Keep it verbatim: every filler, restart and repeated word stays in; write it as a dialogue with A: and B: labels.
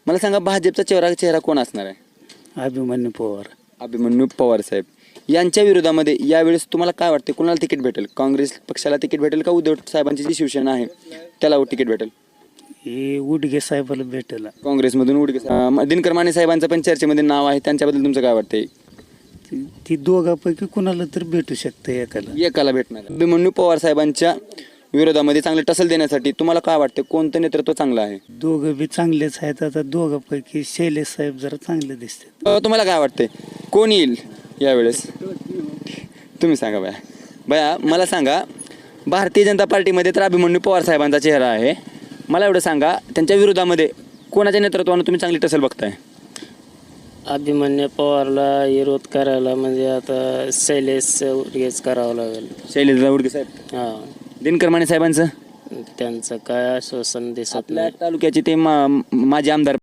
A: मला सांगा भाजपचा चेहरा चेहरा कोण असणार आहे?
B: अभिमन्यू पवार.
A: अभिमन्यू पवार साहेब यांच्या विरोधामध्ये यावेळेस तुम्हाला काय वाटते, कोणाला तिकीट भेटेल? काँग्रेस पक्षाला तिकीट भेटेल का उद्धव साहेबांची जी शिवसेना आहे त्याला तिकीट भेटेल?
B: हे उडगे साहेबाला भेटेल.
A: काँग्रेसमधून उडगे साहेब. दिनकर माने साहेबांचं पण चर्चेमध्ये नाव आहे, त्यांच्याबद्दल तुमचं काय वाटतंय?
B: ती- ती दोघांपैकी कुणाला तर भेटू शकते एकाला.
A: एकाला भेटणार. अभिमन्यू पवार साहेबांच्या विरोधामध्ये चांगले टसल देण्यासाठी तुम्हाला काय वाटते, कोणतं नेतृत्व चांगलं आहे?
B: दोघं बी चांगलेच आहेत. आता दोघांपैकी शैलेश साहेब जरा चांगले दिसतात.
A: अ, तुम्हाला काय वाटते कोण येईल यावेळेस? तुम्ही सांगा बया. बया मला सांगा, भारतीय जनता पार्टीमध्ये तर अभिमन्यू पवार साहेबांचा चेहरा आहे. मला एवढं सांगा, त्यांच्या विरोधामध्ये कोणाच्या नेतृत्वानं तुम्ही चांगली टसल बघताय?
C: अभिमन्यू पवारला विरोध करायला म्हणजे आता शैलेश उडगेच करावं लागेल.
A: शैलेश उडगे साहेब.
C: हा,
A: दिनकर माने साहेबांचं
C: त्यांचं काय आश्वासन दिसत
A: आपल्या
C: नाही.
A: तालुक्याचे ते मा- माजी आमदार